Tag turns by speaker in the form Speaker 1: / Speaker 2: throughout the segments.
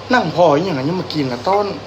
Speaker 1: นั่งพออย่างนั้นยังมากินนะต้น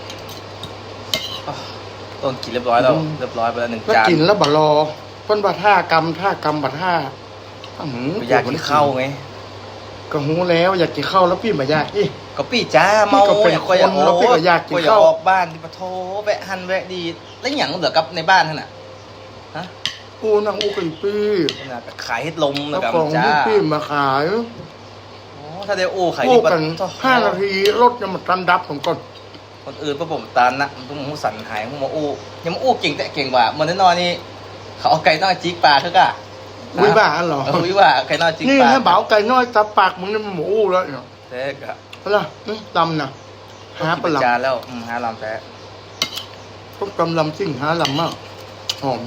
Speaker 2: ต้นกินเรียบร้อยแล้วเรียบร้อยไปแล้ว1 จาน
Speaker 1: แล้วกินแล้วบัรอต้นบะท่ากำบัดท่า
Speaker 2: อยากกินข้าวไง
Speaker 1: ก็หูแล้วอยากกินข้าวแล้วพี่มาอยากอี
Speaker 2: ก็พี่จ้าเมา
Speaker 1: เป็นคนแล้วพี่ก็อยากกินข้าว
Speaker 2: ออกบ้านที่ปะโถแวะหันแวะดีแล้วอย่างเหลือกับในบ้านท่านน่ะฮะ
Speaker 1: อูนางอูกันพี่
Speaker 2: ขายเฮ็ดลมแล้วกับ
Speaker 1: จ้าพี่มาขาย
Speaker 2: ถ้าได้อูขาย
Speaker 1: ดีกัน5 นาทีรถยังมาตันดับผมก่อน
Speaker 2: คนอื่นพวกผมตานนะต้องมูสันหายพวกมาอูยังมาอูเก่งแต่เก่งกว่ามันน้อยนี่เขาเอาไก่น้อยจิกปลาเถอะกะ
Speaker 1: วิบ้าเหรอ
Speaker 2: วิว่าไก่น้อยจิกปลา
Speaker 1: นี่ให้เบาไก่น้อยตาปากมึงนี่มันหมูอูแล้วเนาะ
Speaker 2: แท้กะ
Speaker 1: อะไรลำน่ะหาปลา
Speaker 2: จานแล้วหาลำแท้
Speaker 1: พวกลำซิ่งหาลำมากหอม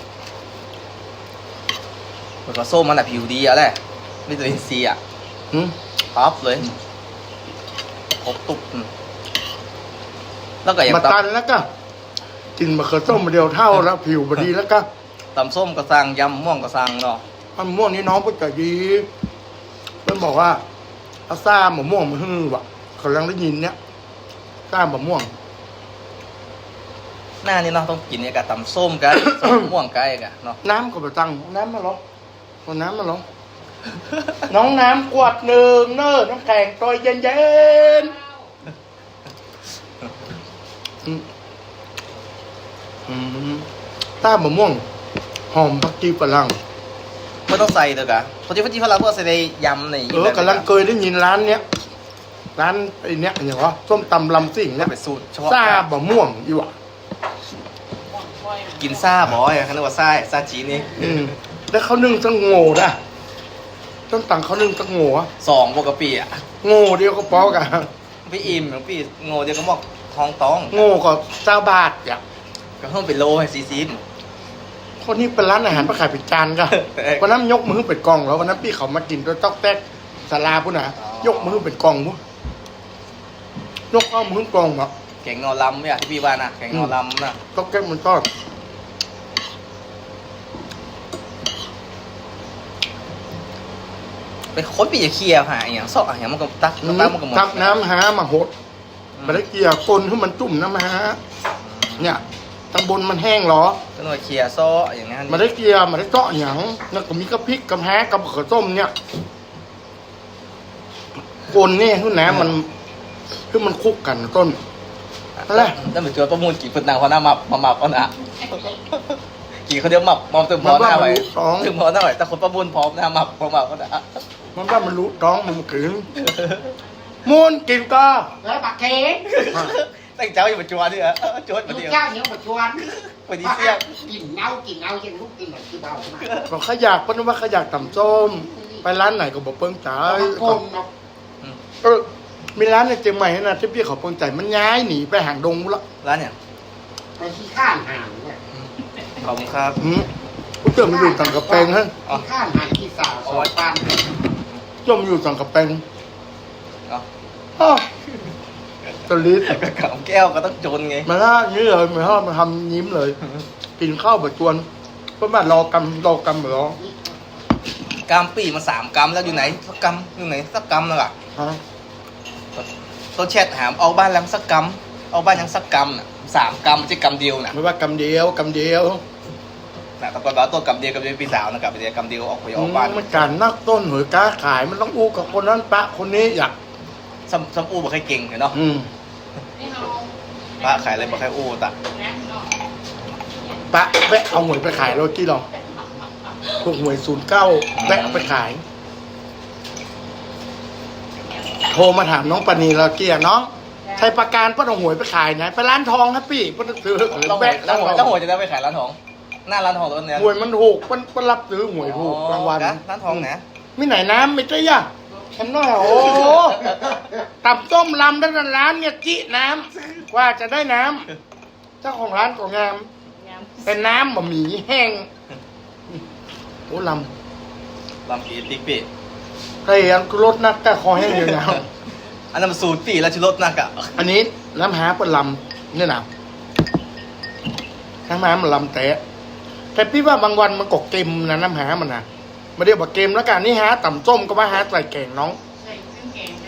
Speaker 2: มันก็ส้มมันแบบผิวดีอะแหละวิตามินซีอ่ะท็อปเลยครบตุ๊บแล้วก็อย่าง
Speaker 1: มาตันแล้วก็กินมะเขือส้มมาเดียวเท่าแล้วผิวบดีแล้วก็
Speaker 2: ตำส้มกระซังยำม่วงกระซังเนาะ
Speaker 1: มันม่วงนี่น้องเพิ่งจะดีเพิ่งบอกว่าอาซ่าหมูม่วงมันฮือว่ะเขาลังได้ยินเนี้ยซ่าหมูม่วง
Speaker 2: หน้านี่เนาะต้องกินเนี่ยกับตำส้มกันส้มม่วงกันกันเนาะ
Speaker 1: น้ำก็ไปตั้งน้ำมาหรอเอาน้ำมาหรอน้องน้ำกวด1เน้อน้ำแข็งตัวเย็นต้าหมูม่วงหอมผักชีฝรั่ง
Speaker 2: ไม่ต้องใส่เลยกะผักชีฝรั่งก็ใส่ในยำใน
Speaker 1: กำลังเคยได้ยินร้านเนี้ยร้านไอ้เนี้ยอย่างว่าส้มตำลำสิ่งเนี่ย
Speaker 2: เป็นสูตรเฉพาะ
Speaker 1: ซ่าบะม่วงอยู่อ่ะ
Speaker 2: กินซ่าบ่อยเขาเรียกว่าซ่าจีนี่
Speaker 1: แล้วเขานึ่งตั้งโง่ด่ะต้นตังเขานึ่งตั้งโง่
Speaker 2: 2 ปกติอ่ะ
Speaker 1: โง่เดียวก็พอกัน
Speaker 2: พี่อิ่มหรือพี่โง่เดียวก็บอกทองตอง
Speaker 1: โง่ก็20 บาทอ่ะ
Speaker 2: ก็เพิ่มเป็นโลให้40
Speaker 1: คนนี้เป็นร้านอาหารประขายเป็นจานก็วันนั้นยกมือเป็นกล่องแล้ววันนั้นพี่เขามากินตัวต๊อกแต๊กสาลาพุ่นน่ะยกมือเป็นกล่องพุ่นยกเอามือกล่องอ่ะ
Speaker 2: แกงนอลำเนี่ยที่พี่ว่านะแกงนอลำนะ
Speaker 1: ต๊อกแต๊กมันทอด
Speaker 2: เป็นคนปีจะเคลียร์หาอย่างซอกอย่างมันก็ตักมันก็หมด
Speaker 1: ตักน้ำหามาหดมาได้เกี่ยกลให้มันจุ่มน้ำหาเนี่ยตำบลมันแห้งหรอ
Speaker 2: ก็หน่วยเคลียร์ซ้ออย่างนั้น
Speaker 1: มาได้เกี่ยมาได้เจาะหยังแล้วก็มีกระพริกกระแฮกระเขือส้มเนี่ยกลนี่คือน้ำมันคือมันคุกกันต้นอะไร
Speaker 2: แล้วเหมือนเจอประมูลกี่คนนางพอหน้ามาเอานะกี่เขาเดียวมาตึงพอหน้าไว้ตึงพอหน้าไว้แต่คนประมูลพร้อมหน้าพอเอานะ
Speaker 1: มันว่ามันรู้ท้องมันกินมูนกินก็
Speaker 3: แล้วบักเค้ก
Speaker 2: ตั้งเจ้าอยู่ปัจจุบันนี่เหรอจวดมาเดียว
Speaker 3: เจ้าเนี่ยปัจจุบัน
Speaker 2: ไปดีเสี้ย
Speaker 3: กินเงายังลูกกินแบบที่เบามา
Speaker 1: ก็ขยักเพราะว่าขยักต่ำส้มไปร้านไหนก็บอกเปิ้งจ่ายมีร้านในเชียงใหม่นะที่พี่เขาเปิ้งจ่ายมันย้ายหนีไปหางดงแล้ว
Speaker 2: ร้านเนี่ย
Speaker 3: ไปที่ข้างห่างเนี่ย
Speaker 2: ขอบคุณครับ
Speaker 1: กูเจอมันอยู่สังกะแปงฮะ
Speaker 3: ข้างห่างที่2 ปัน
Speaker 1: จมอยู่สังกะแปงตะลิด
Speaker 2: กระเป๋าแก้วก็ต้องจนไง
Speaker 1: มาล่านี้เลยมาทำยิ้มเลยกินข้าวแบบจวนเพราะว่ารอกำเหร
Speaker 2: อกำปีมา3 กำแล้วอยู่ไหนสักกำอยู่ไหนสักกำแล้วอ่ะต้นแชทหามเอาบ้านยังสักกำเอาบ้านยังสักกำน่ะ3 กำไม่ใช่กำเดียวน่ะ
Speaker 1: ไม่ว่ากำเดียว
Speaker 2: น่ะตะกอนว่าต้นกำเดียวปีสาวนะกำเดียวออกไปออกบ้าน
Speaker 1: มันการนักต้นหวยก้าขายมันต้องอู้กับคนนั้นปะคนนี้อยาก
Speaker 2: ซ้ำอู้บ่ค่อยเก่งเนาะปะขายอะไรบ่ค่อยอู้ตะ
Speaker 1: ปะแวะเอาหวยไปขายโรตี้หรอพวกหวย09แวะเอาไปขายโทรมาถามน้องปณีเราเกียร์น้องใช้ประกันป้าต้องหวยไปขายไหนไปร้านทองครับพี่ป้าซื้อ
Speaker 2: แล้วหวยจะได้ไปขายร้านทองหน้าร้านทองตัวนี้
Speaker 1: หวยมันถูกป้ารับซื้อหวยถูกรางวัล
Speaker 2: ร้านทองนะ
Speaker 1: ไม่ไหนน้ำไม่ใช่ย่ะฉันน้อยโอ้ตับต้มลำด้านร้านเนี่ยจิน้ำว่าจะได้น้ำเจ้าของร้านก็งามเป็นน้ำบะหมี่แห้งโอ้ล
Speaker 2: อีติ๊กปี
Speaker 1: ใครยังรสนักแต่คอแห้งอยู่นะ
Speaker 2: อันนั้นมันสูตรปีแล้วชิรสนักอ่ะ
Speaker 1: อันนี้น้ำหาเป็นลำนี่นะน้ำหามันลำแต่พี่ว่าบางวันมันกเกมนะน้ำหามันนะมาเรียกว่าเกมแล้วกันนี่หาต่ำส้มก็มาหาใส่แกงน้อง
Speaker 3: ใส่เครื่องแกง